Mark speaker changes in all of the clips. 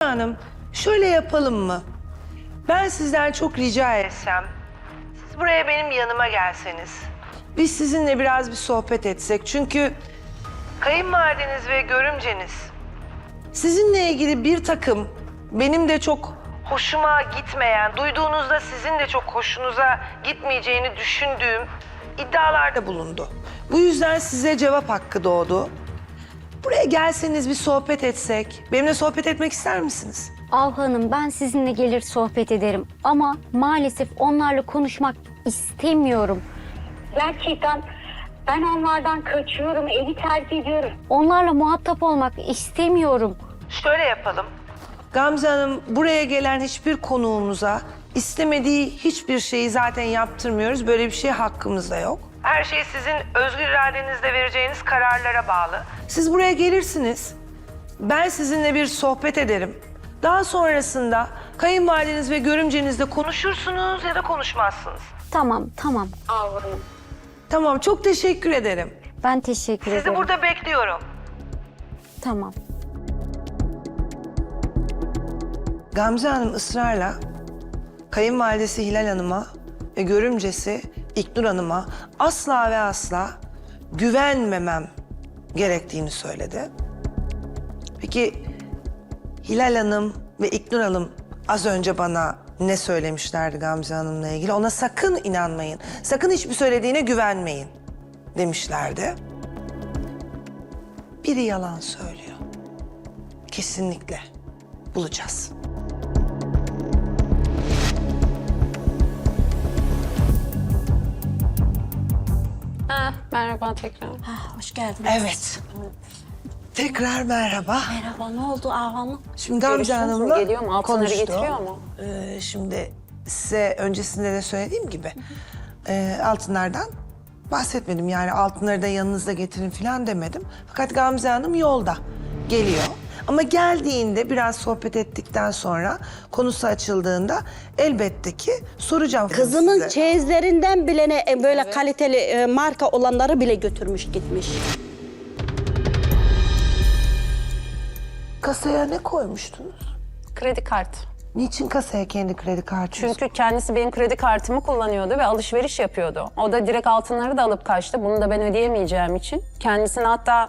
Speaker 1: Hanım, şöyle yapalım mı? Ben sizden çok rica etsem, siz buraya benim yanıma gelseniz. Biz sizinle biraz bir sohbet etsek. Çünkü kayınvalideniz ve görümceniz sizinle ilgili bir takım benim de çok hoşuma gitmeyen, duyduğunuzda sizin de çok hoşunuza gitmeyeceğini düşündüğüm iddialarda bulundu. Bu yüzden size cevap hakkı doğdu. Buraya gelseniz bir sohbet etsek. Benimle sohbet etmek ister misiniz?
Speaker 2: Av Hanım, ben sizinle gelir sohbet ederim ama maalesef onlarla konuşmak istemiyorum. Gerçekten ben onlardan kaçıyorum, evi terk ediyorum. Onlarla muhatap olmak istemiyorum.
Speaker 1: Şöyle yapalım. Gamze Hanım, buraya gelen hiçbir konuğumuza istemediği hiçbir şeyi zaten yaptırmıyoruz. Böyle bir şey hakkımızda yok. Her şey sizin özgür iradenizle vereceğiniz kararlara bağlı. Siz buraya gelirsiniz. Ben sizinle bir sohbet ederim. Daha sonrasında kayınvalideniz ve görümcenizle konuşursunuz ya da konuşmazsınız.
Speaker 2: Tamam.
Speaker 1: Tamam, çok teşekkür ederim.
Speaker 2: Ben teşekkür ederim.
Speaker 1: Sizi burada bekliyorum.
Speaker 2: Tamam.
Speaker 1: Gamze Hanım ısrarla kayınvalidesi Hilal Hanım'a ve görümcesi İknur Hanım'a asla ve asla güvenmemem gerektiğini söyledi. Peki Hilal Hanım ve İknur Hanım az önce bana ne söylemişlerdi Gamze Hanım'la ilgili? Ona sakın inanmayın, sakın hiçbir söylediğine güvenmeyin demişlerdi. Biri yalan söylüyor. Kesinlikle bulacağız.
Speaker 3: Merhaba tekrar.
Speaker 4: Hoş geldin.
Speaker 1: Evet. Tekrar merhaba.
Speaker 4: Merhaba, ne oldu Av Hanım?
Speaker 1: Şimdi Gamze
Speaker 3: Görüştünüz mü?
Speaker 1: Hanım'la
Speaker 3: Geliyor mu? Altınları
Speaker 1: konuştu.
Speaker 3: getiriyor mu?
Speaker 1: Şimdi size öncesinde de söylediğim gibi altınlardan bahsetmedim. Yani altınları da yanınızda getirin falan demedim. Fakat Gamze Hanım yolda geliyor. Ama geldiğinde biraz sohbet ettikten sonra konusu açıldığında elbette ki soracağım.
Speaker 4: Kızımın
Speaker 1: size.
Speaker 4: çeyizlerinden bile böyle kaliteli marka olanları bile götürmüş gitmiş.
Speaker 1: Kasaya ne koymuştunuz?
Speaker 3: Kredi kartı.
Speaker 1: Niçin kasaya kendi kredi kartınızı?
Speaker 3: Çünkü kendisi benim kredi kartımı kullanıyordu ve alışveriş yapıyordu. O da direkt altınları da alıp kaçtı. Bunu da ben ödeyemeyeceğim için. Kendisine hatta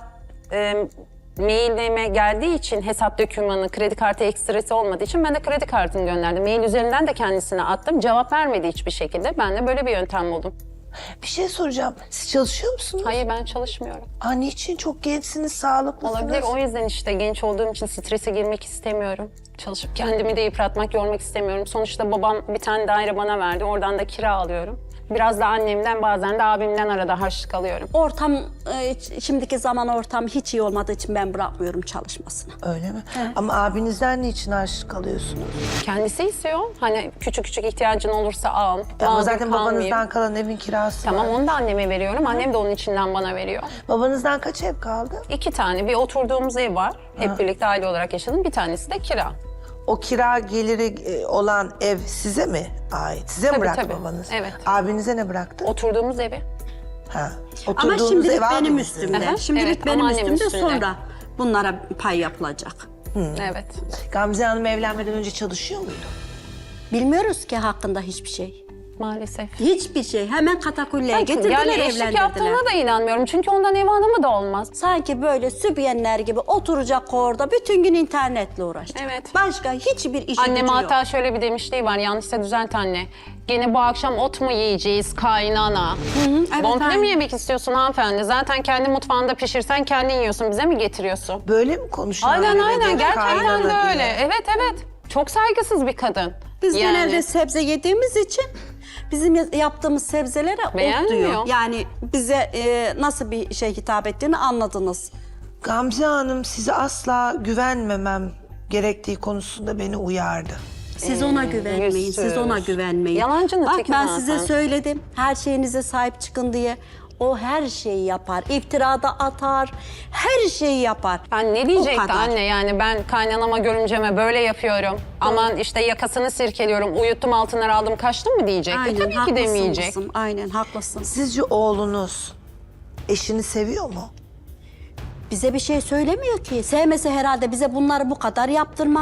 Speaker 3: mailime geldiği için hesap dokümanı, kredi kartı ekstresi olmadığı için ben de kredi kartını gönderdim. Mail üzerinden de kendisine attım. Cevap vermedi hiçbir şekilde. Ben de böyle bir yöntem buldum.
Speaker 1: Bir şey soracağım. Siz çalışıyor musunuz?
Speaker 3: Hayır, ben çalışmıyorum.
Speaker 1: Niçin? Çok gençsiniz, sağlıklısınız.
Speaker 3: Olabilir. O yüzden işte genç olduğum için strese girmek istemiyorum. Çalışıp kendimi de yıpratmak, yormak istemiyorum. Sonuçta babam bir tane daire bana verdi. Oradan da kira alıyorum. Biraz da annemden, bazen de abimden arada harçlık alıyorum.
Speaker 4: Ortam, şimdiki zaman ortam hiç iyi olmadığı için ben bırakmıyorum çalışmasını.
Speaker 1: Öyle mi? Ama abinizden niçin harçlık alıyorsunuz?
Speaker 3: Kendisi istiyor. Hani küçük küçük ihtiyacın olursa al.
Speaker 1: Ama
Speaker 3: Al,
Speaker 1: zaten
Speaker 3: kalmayayım.
Speaker 1: babanızdan kalan evin kirası
Speaker 3: Tamam,
Speaker 1: var.
Speaker 3: onu da anneme veriyorum. Annem de onun içinden bana veriyor.
Speaker 1: Babanızdan kaç ev kaldı?
Speaker 3: 2 tane. Bir oturduğumuz ev var. Hep birlikte aile olarak yaşadım. Bir tanesi de kira.
Speaker 1: O kira geliri olan ev size mi ait? Size mi
Speaker 3: Tabii,
Speaker 1: bıraktı
Speaker 3: tabii.
Speaker 1: babanız?
Speaker 3: Evet.
Speaker 1: Abinize ne bıraktı?
Speaker 3: Oturduğumuz evi.
Speaker 1: Ha.
Speaker 4: Ama
Speaker 1: Oturduğunuz
Speaker 4: şimdilik
Speaker 1: ev
Speaker 4: benim
Speaker 1: abinizin.
Speaker 4: üstümde.
Speaker 3: Aha,
Speaker 4: Şimdilik
Speaker 3: evet,
Speaker 4: benim
Speaker 3: ama annemin
Speaker 4: üstümde,
Speaker 3: üstünde.
Speaker 4: sonra bunlara pay yapılacak.
Speaker 3: Evet.
Speaker 1: Gamze Hanım evlenmeden önce çalışıyor muydu?
Speaker 4: Bilmiyoruz ki hakkında hiçbir şey.
Speaker 3: Maalesef.
Speaker 4: Hiçbir şey. Hemen katakulleye
Speaker 3: Bakın,
Speaker 4: getirdiler,
Speaker 3: yani eşlik
Speaker 4: evlendirdiler.
Speaker 3: yaptığına da inanmıyorum. Çünkü ondan ev hanımı da olmaz.
Speaker 4: Sanki böyle sübyenler gibi oturacak orada bütün gün internetle uğraşacak.
Speaker 3: Evet.
Speaker 4: Başka hiçbir işi
Speaker 3: Annem
Speaker 4: gücü yok.
Speaker 3: hatta şöyle bir demişliği var. Yanlışsa düzelt anne. Gene bu akşam ot mu yiyeceğiz kaynana?
Speaker 4: evet,
Speaker 3: Bonfile
Speaker 4: aynen.
Speaker 3: mi yemek istiyorsun hanımefendi? Zaten kendi mutfağında pişirsen kendin yiyorsun. Bize mi getiriyorsun?
Speaker 1: Böyle mi konuşuyor?
Speaker 3: Aynen
Speaker 1: öyle
Speaker 3: aynen.
Speaker 1: dedi,
Speaker 3: Gerçekten
Speaker 1: kaynana
Speaker 3: de öyle.
Speaker 1: diye?
Speaker 3: Evet evet. Çok saygısız bir kadın.
Speaker 4: Biz
Speaker 3: Yani.
Speaker 4: genelde sebze yediğimiz için bizim yaptığımız sebzelere ot
Speaker 3: Beğenmiyor.
Speaker 4: diyor. Yani bize nasıl bir şey hitap ettiğini anladınız.
Speaker 1: Gamze Hanım size asla güvenmemem gerektiği konusunda beni uyardı.
Speaker 4: Siz ona güvenmeyin, siz ona
Speaker 3: yüzsüz.
Speaker 4: güvenmeyin.
Speaker 3: Yalancının
Speaker 4: Bak
Speaker 3: teki
Speaker 4: ben
Speaker 3: zaten.
Speaker 4: size söyledim, her şeyinize sahip çıkın diye. O her şeyi yapar, iftirada atar, her şeyi yapar.
Speaker 3: Ben ne
Speaker 4: O
Speaker 3: diyecekti
Speaker 4: kadar.
Speaker 3: anne, yani ben kaynanama görümceme böyle yapıyorum. Aman işte yakasını sirkeliyorum, uyuttum altınları aldım kaçtım mı diyecekti. Tabii ki
Speaker 4: haklısın
Speaker 3: demeyecek.
Speaker 4: kızım, aynen haklısın.
Speaker 1: Sizce oğlunuz eşini seviyor mu?
Speaker 4: Bize bir şey söylemiyor ki. Sevmese herhalde bize bunları bu kadar yaptırmaz.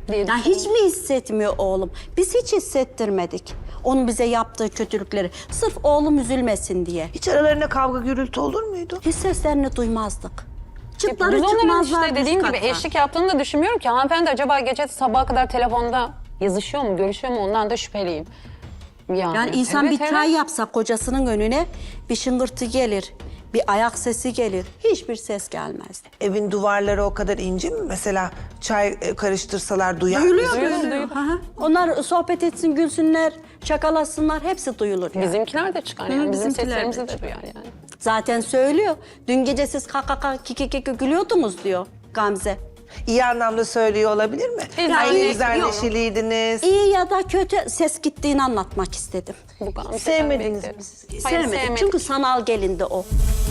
Speaker 3: diye
Speaker 4: Ya hiç mi hissetmiyor oğlum? Biz hiç hissettirmedik. Onun bize yaptığı kötülükleri. Sırf oğlum üzülmesin diye.
Speaker 1: Hiç aralarında kavga gürültü olur muydu?
Speaker 4: Hiç seslerini duymazdık. Çıtları
Speaker 3: Biz onların
Speaker 4: çıkmazlar
Speaker 3: işte dediğim gibi
Speaker 4: üst kata.
Speaker 3: eşlik yaptığını da düşünmüyorum ki. Hanımefendi acaba gece sabaha kadar telefonda yazışıyor mu, görüşüyor mu ondan da şüpheliyim.
Speaker 4: Yani insan
Speaker 3: Evet,
Speaker 4: bir çay yapsa kocasının önüne bir şıngırtı gelir, bir ayak sesi gelir. Hiçbir ses gelmezdi.
Speaker 1: Evin duvarları o kadar ince mi? Mesela çay karıştırsalar duyar
Speaker 4: Duyuluyor,
Speaker 1: mısın?
Speaker 4: duyuluyor. Hı hı. Onlar sohbet etsin, gülsünler, şakalasınlar, hepsi duyulur yani.
Speaker 3: Bizimkiler de çıkar yani. Bizim
Speaker 4: bizimkiler de
Speaker 3: seslerimizi de duyar yani.
Speaker 4: Zaten söylüyor. Dün gece siz kaka kiki gülüyordunuz diyor Gamze.
Speaker 1: İyi anlamda söylüyor olabilir mi?
Speaker 3: Yani
Speaker 1: Aynı güzel
Speaker 4: yok.
Speaker 1: neşeliydiniz.
Speaker 4: İyi ya da kötü ses gittiğini anlatmak istedim.
Speaker 3: Bu Gamze'den
Speaker 1: Sevmediniz
Speaker 3: beklerim.
Speaker 1: mi siz?
Speaker 3: Hayır,
Speaker 4: Sevmedim.
Speaker 3: sevmedik.
Speaker 4: Çünkü sanal gelindi o.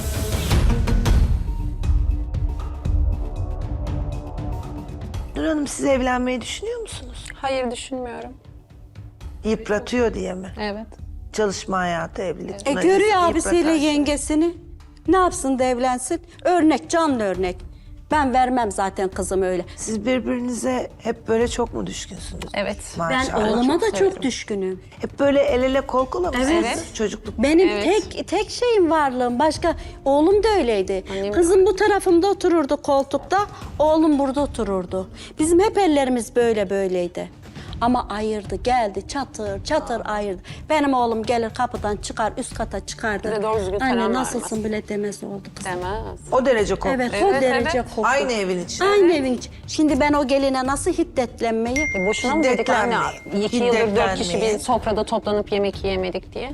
Speaker 1: Nur Hanım siz evlenmeyi düşünüyor musunuz?
Speaker 3: Hayır düşünmüyorum.
Speaker 1: Yıpratıyor diye mi?
Speaker 3: Evet.
Speaker 1: Çalışma hayatı, evlilik. bunlar
Speaker 4: Görüyor
Speaker 1: insanı
Speaker 4: abisiyle
Speaker 1: yıpratar.
Speaker 4: yengesini. Ne yapsın da evlensin? Örnek, canlı örnek. Ben vermem zaten kızım öyle.
Speaker 1: Siz birbirinize hep böyle çok mu düşkünsünüz?
Speaker 3: Evet.
Speaker 4: Ben
Speaker 1: Maşallah.
Speaker 4: oğluma da
Speaker 3: çok
Speaker 4: çok
Speaker 3: severim.
Speaker 4: düşkünüm.
Speaker 1: Hep böyle el ele kol kola mısınız?
Speaker 3: Evet.
Speaker 1: Çocukluk.
Speaker 4: Benim
Speaker 3: Evet.
Speaker 4: tek şeyim varlığım. Başka oğlum da öyleydi.
Speaker 3: Annem-
Speaker 4: Kızım bu tarafımda otururdu koltukta, oğlum burada otururdu. Bizim hep ellerimiz böyleydi. Ama ayırdı, geldi çatır çatır ayırdı. Benim oğlum gelir kapıdan çıkar, üst kata çıkardı.
Speaker 3: Bir de doğru düzgün
Speaker 4: Anne
Speaker 3: selam
Speaker 4: nasılsın
Speaker 3: vermez.
Speaker 4: bile demez oldu kız.
Speaker 3: Demez.
Speaker 1: O derece koktu.
Speaker 4: Evet,
Speaker 3: Evet,
Speaker 4: o derece
Speaker 3: evet.
Speaker 4: koktu.
Speaker 1: Aynı evin içinde.
Speaker 4: Aynı evin içi. Şimdi ben o geline nasıl hiddetlenmeyi...
Speaker 3: Boşuna mı dedik anne?
Speaker 1: Hiddetlenmeyin.
Speaker 3: 2 yıldır 4 kişi
Speaker 1: Hiddetlenmeyin.
Speaker 3: bir sofrada toplanıp yemek yiyemedik diye.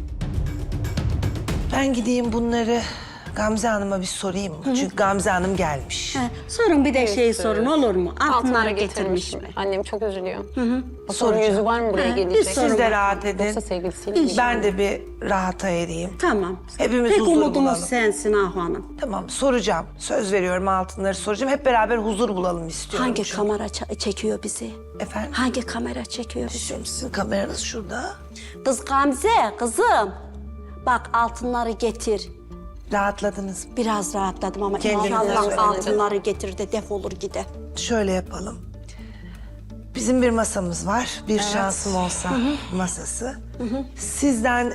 Speaker 1: Ben gideyim bunları Gamze Hanım'a bir sorayım mı? Çünkü Gamze Hanım gelmiş.
Speaker 4: He, sorun bir de şeyi sorun olur mu? Altınları
Speaker 3: getirmiş
Speaker 4: getirmiş mi?
Speaker 3: Annem çok üzülüyor. O sorun
Speaker 1: Soracağım.
Speaker 3: yüzü var mı buraya
Speaker 4: Ha,
Speaker 3: gelecek?
Speaker 4: bir sorun
Speaker 1: Siz de
Speaker 4: var.
Speaker 1: rahat edin.
Speaker 3: Yoksa sevgilisiyle mi?
Speaker 1: Ben de bir rahata ereyim.
Speaker 4: Tamam.
Speaker 1: Hepimiz
Speaker 4: Tek
Speaker 1: huzur
Speaker 4: umudumuz
Speaker 1: bulalım.
Speaker 4: sensin Ahu Hanım.
Speaker 1: Tamam soracağım. Söz veriyorum altınları soracağım. Hep beraber huzur bulalım istiyorum.
Speaker 4: Hangi
Speaker 1: çünkü.
Speaker 4: kamera çekiyor bizi?
Speaker 1: Efendim?
Speaker 4: Hangi kamera çekiyor bizi?
Speaker 1: Şimdi sizin kameranız şurada.
Speaker 4: Kız Gamze, kızım. Bak altınları getir.
Speaker 1: Rahatladınız mı?
Speaker 4: Biraz rahatladım ama
Speaker 1: Kendinize
Speaker 4: inşallah
Speaker 1: söyleyin.
Speaker 4: altınları getir de defolur gide.
Speaker 1: Şöyle yapalım. Bizim bir masamız var. Bir şansım olsa masası. Sizden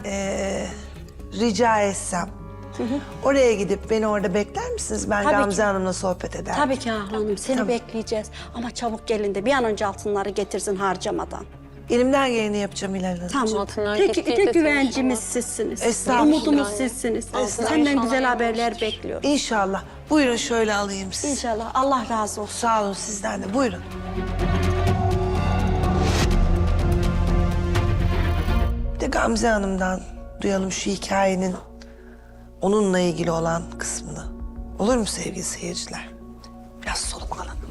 Speaker 1: rica etsem. Oraya gidip beni orada bekler misiniz? Ben
Speaker 4: Tabii
Speaker 1: Gamze
Speaker 4: ki.
Speaker 1: Hanım'la sohbet ederim.
Speaker 4: Tabii ki Ahu Hanım, seni
Speaker 1: Tamam.
Speaker 4: bekleyeceğiz. Ama çabuk gelin de bir an önce altınları getirsin harcamadan.
Speaker 1: Elimden geleni yapacağım Hilal Hanım.
Speaker 4: Tamam.
Speaker 3: Altınlar
Speaker 4: Tek
Speaker 3: gittiyse
Speaker 4: güvencimiz
Speaker 3: inşallah.
Speaker 4: sizsiniz.
Speaker 1: Estağfurullah.
Speaker 4: Umudumuz sizsiniz.
Speaker 3: Altınlar
Speaker 4: Senden
Speaker 3: inşallah
Speaker 4: güzel haberler
Speaker 3: yanmıştır.
Speaker 4: bekliyorum.
Speaker 1: İnşallah. Buyurun şöyle alayım sizi.
Speaker 4: İnşallah. Allah razı olsun.
Speaker 1: Sağ olun sizden de. Buyurun. Bir de Gamze Hanım'dan duyalım şu hikayenin onunla ilgili olan kısmını. Olur mu sevgili seyirciler? Biraz soluk alın.